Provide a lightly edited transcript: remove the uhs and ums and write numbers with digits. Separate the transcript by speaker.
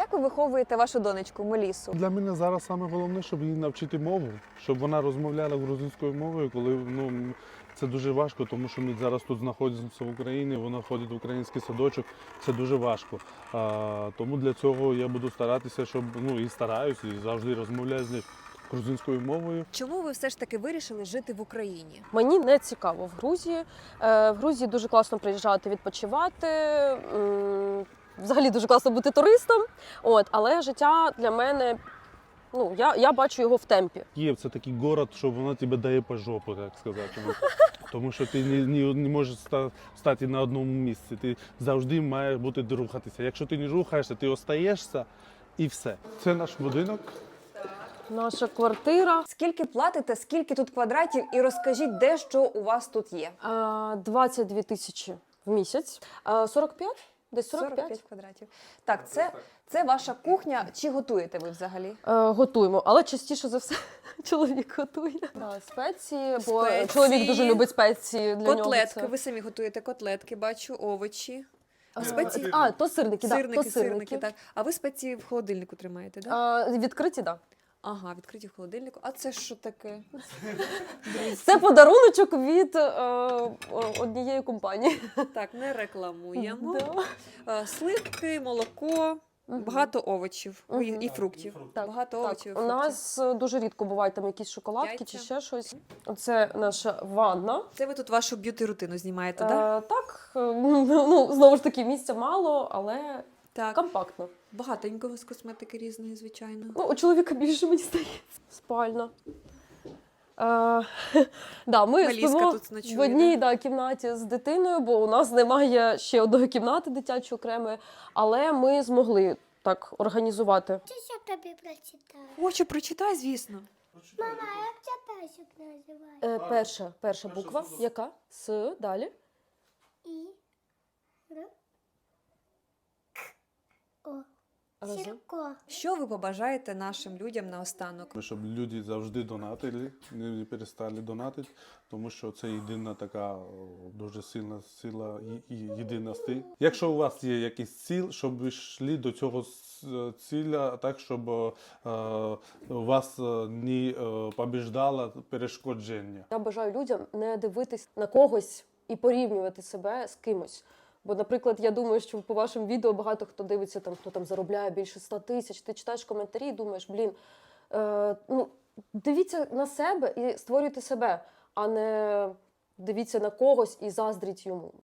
Speaker 1: Як ви виховуєте вашу донечку Мелісу?
Speaker 2: Для мене зараз саме головне, щоб її навчити мову, щоб вона розмовляла грузинською мовою, коли це дуже важко, тому що ми зараз тут знаходимося в Україні, вона ходить в український садочок, це дуже важко. Тому для цього я буду старатися, щоб і стараюсь, і завжди розмовляю з нею грузинською мовою.
Speaker 1: Чому ви все ж таки вирішили жити в Україні?
Speaker 3: Мені не цікаво в Грузії. В Грузії дуже класно приїжджати, відпочивати. Взагалі дуже класно бути туристом. Але життя для мене, я бачу його в темпі.
Speaker 2: Київ – це такий город, що вона тебе дає по жопу, так сказати. Тому що ти не можеш стати на одному місці. Ти завжди маєш бути рухатися. Якщо ти не рухаєшся, ти остаєшся і все. Це наш будинок.
Speaker 3: Наша квартира.
Speaker 1: Скільки платите, скільки тут квадратів і розкажіть, де що у вас тут є?
Speaker 3: 22 тисячі в місяць. 45? Десь 45.
Speaker 1: квадратів. Так, це ваша кухня. Чи готуєте ви взагалі?
Speaker 3: Готуємо, але частіше за все чоловік готує. Спеції, бо чоловік дуже любить спеції. Для
Speaker 1: Котлетки,
Speaker 3: нього
Speaker 1: ви самі готуєте котлетки, бачу, овочі.
Speaker 3: спеції. То сирники,
Speaker 1: Сирники, так. А ви спеції в холодильнику тримаєте, так?
Speaker 3: Відкриті, так. Да.
Speaker 1: Ага, відкриті в холодильнику. А це що таке?
Speaker 3: Це подаруночок від однієї компанії.
Speaker 1: Так, не рекламуємо.
Speaker 3: Да.
Speaker 1: Сливки, молоко, багато овочів і фруктів.
Speaker 3: Так,
Speaker 1: Багато овочів і
Speaker 3: У
Speaker 1: фруктів.
Speaker 3: нас дуже рідко бувають там якісь шоколадки
Speaker 1: Яйця.
Speaker 3: чи ще щось. Це наша ванна.
Speaker 1: Це ви тут вашу б'юті-рутину знімаєте, так?
Speaker 3: Так, знову ж таки, місця мало, але
Speaker 1: Так.
Speaker 3: компактно.
Speaker 1: Багатенько з косметики різної, звичайно.
Speaker 3: У чоловіка більше, мені здається. Спальна. Ми
Speaker 1: Меліска
Speaker 3: спимо
Speaker 1: тут ночує,
Speaker 3: в одній кімнаті з дитиною, бо у нас немає ще одної кімнати дитячої окремої, але ми змогли так організувати.
Speaker 4: Я тобі прочитаю.
Speaker 1: Хочу, прочитай, звісно.
Speaker 4: Мама, як ця песик називає?
Speaker 3: Перша буква. Яка? С, далі.
Speaker 4: І. Р. К. О.
Speaker 3: Разом.
Speaker 4: Сірко.
Speaker 1: Що ви побажаєте нашим людям наостанок?
Speaker 2: Щоб люди завжди донатили, не перестали донатити, тому що це єдина така дуже сильна сила і єдина стиль. Якщо у вас є якийсь ціль, щоб ви йшли до цього ціля так, щоб вас не побіждало перешкодження.
Speaker 3: Я бажаю людям не дивитись на когось і порівнювати себе з кимось. Бо, наприклад, я думаю, що по вашим відео багато хто дивиться, хто там заробляє більше 100 тисяч. Ти читаєш коментарі і думаєш, дивіться на себе і створюйте себе, а не дивіться на когось і заздріть йому.